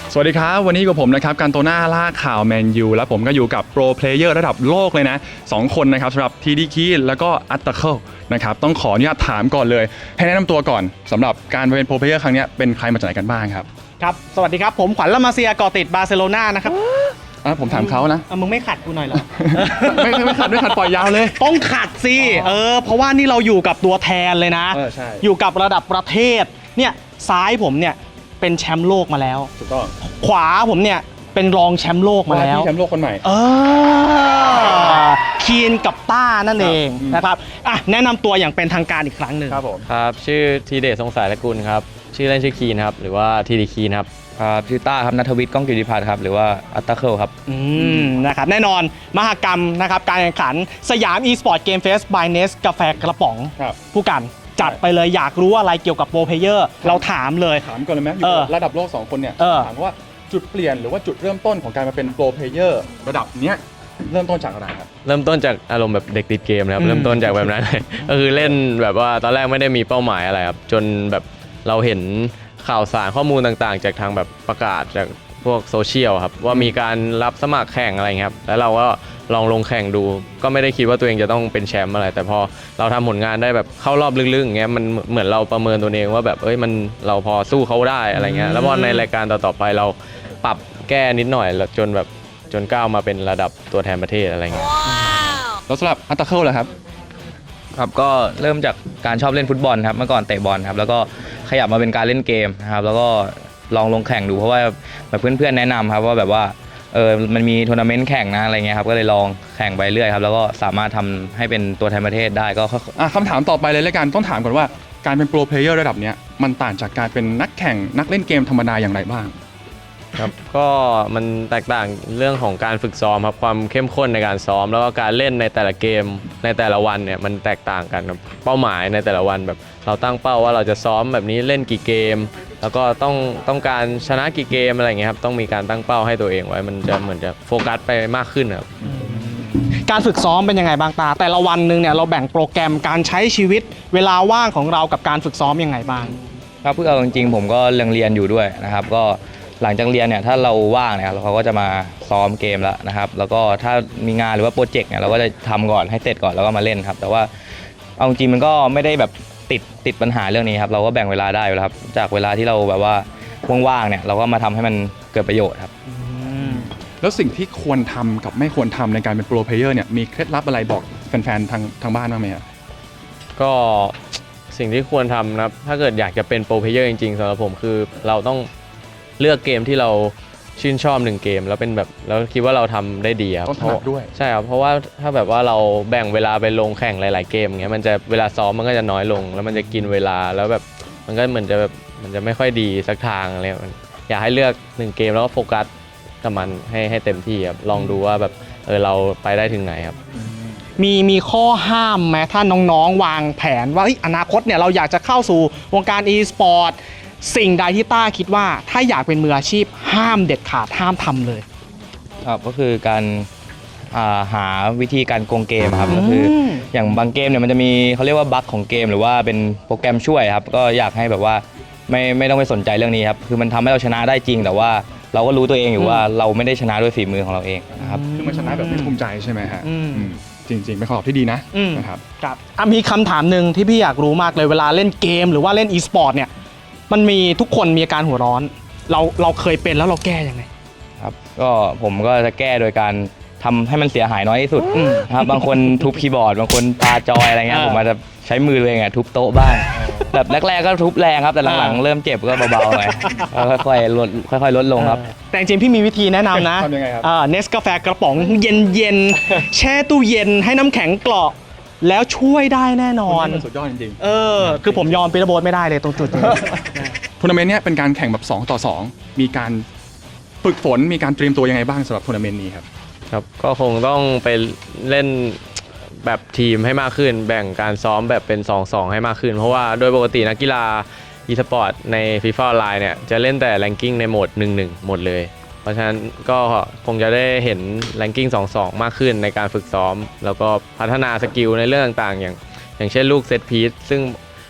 สวัสดีครับวันนี้กับผมนะครับการโตน่าล่าข่าวแมนยูและผมก็อยู่กับโปรเพลเยอร์ระดับโลกเลยนะ2คนนะครับสำหรับทีดีคีแล้วก็อัตเตอร์เคิลนะครับต้องขออนุญาตถามก่อนเลยให้แนะนำตัวก่อนสำหรับการเป็นโปรเพลเยอร์ครั้งนี้เป็นใครมาจากไหนกันบ้างครับครับสวัสดีครับผมขวัญละมาเซียก่อติดบาร์เซโลนานะครับผมถามเขานะมึงไม่ขัดกูหน่อยเหรอไม่ขัดปล่อยยาวเลยต้องขัดสิเพราะว่านี่เราอยู่กับตัวแทนเลยนะใช่อยู่กับระดับประเทศเนี่ยซ้ายผมเนี่ยเป็นแชมป์โลกมาแล้วถูกต้องขวาผมเนี่ยเป็นรองแชมป์โลกมาแล้วแชมป์โลกคนใหม่คีนกับต้านั่นเองนะครับแนะนำตัวอย่างเป็นทางการอีกครั้งหนึ่งครับผมครับชื่อทีเดชทรงสายกุลครับชื่อเล่นชื่อคีนครับหรือว่าทีดีคีนครับชื่อต้าครับณัฐวิทย์ก้องกิติพัฒน์ครับหรือว่าอัตตาเคิลครับนะครับแน่นอนมหกรรมนะครับการแข่งขันสยาม e-sport game fest by Nest กาแฟกระป๋องผู้กันจัดไปเลยอยากรู้อะไรเกี่ยวกับโปรเพลเยอร์เราถามเลยถามก่อนเลยไหมระดับโลก2คนเนี่ยถามว่าจุดเปลี่ยนหรือว่าจุดเริ่มต้นของการมาเป็นโปรเพลเยอร์ระดับเนี้ยเริ่มต้นจากอะไรครับเริ่มต้นจากอารมณ์แบบเด็กติดเกมนะครับเริ่มต้นจากแบบนั้นเลยก็คือเล่นแบบว่าตอนแรกไม่ได้มีเป้าหมายอะไรครับจนแบบเราเห็นข่าวสารข้อมูลต่างๆจากทางแบบประกาศจากพวกโซเชียลครับว่ามีการรับสมัครแข่งอะไรครับแล้วเราก็ลองลงแข่งดูก็ไม่ได้คิดว่าตัวเองจะต้องเป็นแชมป์อะไรแต่พอเราทำผลงานได้แบบเข้ารอบลึกๆอย่างเงี้ยมันเหมือนเราประเมินตัวเองว่าแบบมันเราพอสู้เขาได้อะไรเงี้ยแล้วพอในรายการต่อๆไปเราปรับแก้นิดหน่อยแล้วจนก้าวมาเป็นระดับตัวแทนประเทศอะไรเงี้ยแล้วสำหรับอัตเตอร์เคิลล่ะครับครับก็เริ่มจากการชอบเล่นฟุตบอลครับเมื่อก่อนเตะบอลครับแล้วก็ขยับมาเป็นการเล่นเกมนะครับแล้วก็ลองลงแข่งดูเพราะว่าแบบเพื่อนๆแนะนำครับว่าแบบว่ามันมีทัวร์นาเมนต์แข่งนะอะไรเงี้ยครับก็เลยลองแข่งไปเรื่อยครับแล้วก็สามารถทำให้เป็นตัวแทนประเทศได้ก็คำถามต่อไปเลยแล้วกันต้องถามก่อนว่าการเป็นโปรเพลเยอร์ระดับเนี้ยมันต่างจากการเป็นนักแข่งนักเล่นเกมธรรมดาอย่างไรบ้างครับก็มันแตกต่างเรื่องของการฝึกซ้อมครับความเข้มข้นในการซ้อมแล้วก็การเล่นในแต่ละเกมในแต่ละวันเนี่ยมันแตกต่างกันครับเป้าหมายในแต่ละวันแบบเราตั้งเป้าว่าเราจะซ้อมแบบนี้เล่นกี่เกมแล้วก็ต้องการชนะกี่เกมอะไรเงี้ยครับต้องมีการตั้งเป้าให้ตัวเองไว้มันจะเหมือนจะโฟกัสไปมากขึ้นครับการฝึกซ้อมเป็นยังไงบ้างตาแต่ละวันนึงเนี่ยเราแบ่งโปรแกรมการใช้ชีวิตเวลาว่างของเรากับการฝึกซ้อมยังไงบ้างครับเพื่อเอาจริงๆผมก็เรียนอยู่ด้วยนะครับก็หลังจากเรียนเนี่ยถ้าเราว่างเนี่ยเขาก็จะมาซ้อมเกมแล้วนะครับแล้วก็ถ้ามีงานหรือว่าโปรเจกต์เนี่ยเราก็จะทำก่อนให้เสร็จก่อนแล้วก็มาเล่นครับแต่ว่าเอาจริงมันก็ไม่ได้แบบติดปัญหาเรื่องนี้ครับเราก็แบ่งเวลาได้แล้วครับจากเวลาที่เราแบบว่าว่างๆเนี่ยเราก็มาทำให้มันเกิดประโยชน์ครับแล้วสิ่งที่ควรทำกับไม่ควรทำในการเป็นโปรเพลเยอร์เนี่ยมีเคล็ดลับอะไรบอกแฟนๆทางบ้านบ้างไหมครับก็สิ่งที่ควรทำนะครับถ้าเกิดอยากจะเป็นโปรเพลเยอร์จริงๆสำหรับผมคือเราต้องเลือกเกมที่เราชื่นชอบ1เกมแล้วเป็นแบบแล้วคิดว่าเราทำได้ดีครับต้องถนัดด้วยใช่ครับเพราะว่าถ้าแบบว่าเราแบ่งเวลาไปลงแข่งหลายๆเกมอย่างเงี้ยมันจะเวลาซ้อมมันก็จะน้อยลงแล้วมันจะกินเวลาแล้วแบบมันก็เหมือนจะแบบมันจะไม่ค่อยดีสักทางอะไรอยากให้เลือก1เกมแล้วก็โฟกัสกับมันให้เต็มที่ครับลองดูว่าแบบเราไปได้ถึงไหนครับมีข้อห้ามไหมถ้าน้องๆวางแผนว่าอนาคตเนี่ยเราอยากจะเข้าสู่วงการ e-sportสิ่งใดที่ต้าคิดว่าถ้าอยากเป็นมืออาชีพห้ามเด็ดขาดห้ามทำเลยครับก็คือการหาวิธีการโกงเกมครับก็คืออย่างบางเกมเนี่ยมันจะมีเขาเรียกว่าบั๊กของเกมหรือว่าเป็นโปรแกรมช่วยครับก็อยากให้แบบว่าไม่ต้องไปสนใจเรื่องนี้ครับคือมันทำให้เราชนะได้จริงแต่ว่าเราก็รู้ตัวเองอยู่ว่าเราไม่ได้ชนะด้วยฝีมือของเราเองนะครับคือมันชนะแบบไม่ภูมิใจใช่ไหมฮะจริงๆเป็นคำตอบที่ดีนะครับครับมีคำถามหนึ่งที่พี่อยากรู้มากเลยเวลาเล่นเกมหรือว่าเล่น e-sport เนี่ยมันมีทุกคนมีอาการหัวร้อนเราเคยเป็นแล้วเราแก้ยังไงครับก็ผมก็จะแก้โดยการทำให้มันเสียหายน้อยที่สุดครับบางคนทุบคีย์บอร์ดบางคนปาจอยอะไรเงี้ยผมอาจจะใช้มือตัวเองทุบโต๊ะบ้างแบบแรกๆก็ทุบแรงครับแต่หลังๆเริ่มเจ็บก็เบาๆหน่อยค่อยๆลดลงครับแต่จริงๆพี่มีวิธีแนะนำนะทำยังไงครับเนสกาแฟกระป๋องเย็นๆแช่ตู้เย็นให้น้ำแข็งเกาะแล้วช่วยได้แน่นอนสุดยอดจริงๆคือผมยอมปีระโบสไม่ได้เลยตรงจุดนี้ทัวร์นาเมนต์เนี้ยเป็นการแข่งแบบ2 ต่อ 2มีการฝึกฝนมีการเตรียมตัวยังไงบ้างสำหรับทัวร์นาเมนต์นี้ครับครับก็คงต้องไปเล่นแบบทีมให้มากขึ้นแบ่งการซ้อมแบบเป็น 2-2 ให้มากขึ้นเพราะว่าโดยปกตินักกีฬา e-sport ใน FIFA Online เนี่ยจะเล่นแต่ ranking ในโหมด 1-1 หมดเลยเพราะฉะนั้นก็คงจะได้เห็น ranking 2-2 มากขึ้นในการฝึกซ้อมแล้วก็พัฒนาสกิลในเรื่องต่างๆอย่างเช่นลูกเซตพีซซึ่ง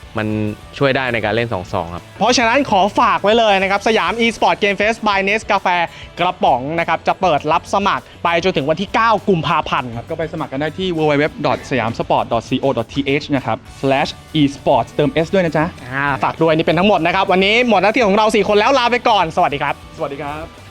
มันช่วยได้ในการเล่น 2-2 ครับเพราะฉะนั้นขอฝากไว้เลยนะครับสยาม e-sport game fest by Nest กาแฟกระป๋องนะครับจะเปิดรับสมัครไปจนถึงวันที่ 9 กุมภาพันธ์ก็ไปสมัครกันได้ที่ www.siamsport.co.th นะครับ /esports เติม s ด้วยนะจ๊ะฝากด้วยนี่เป็นทั้งหมดนะครับวันนี้หมดหน้าที่ของเรา 4 คนแล้วลาไปก่อนสวัสดีครับสวัสดีครับ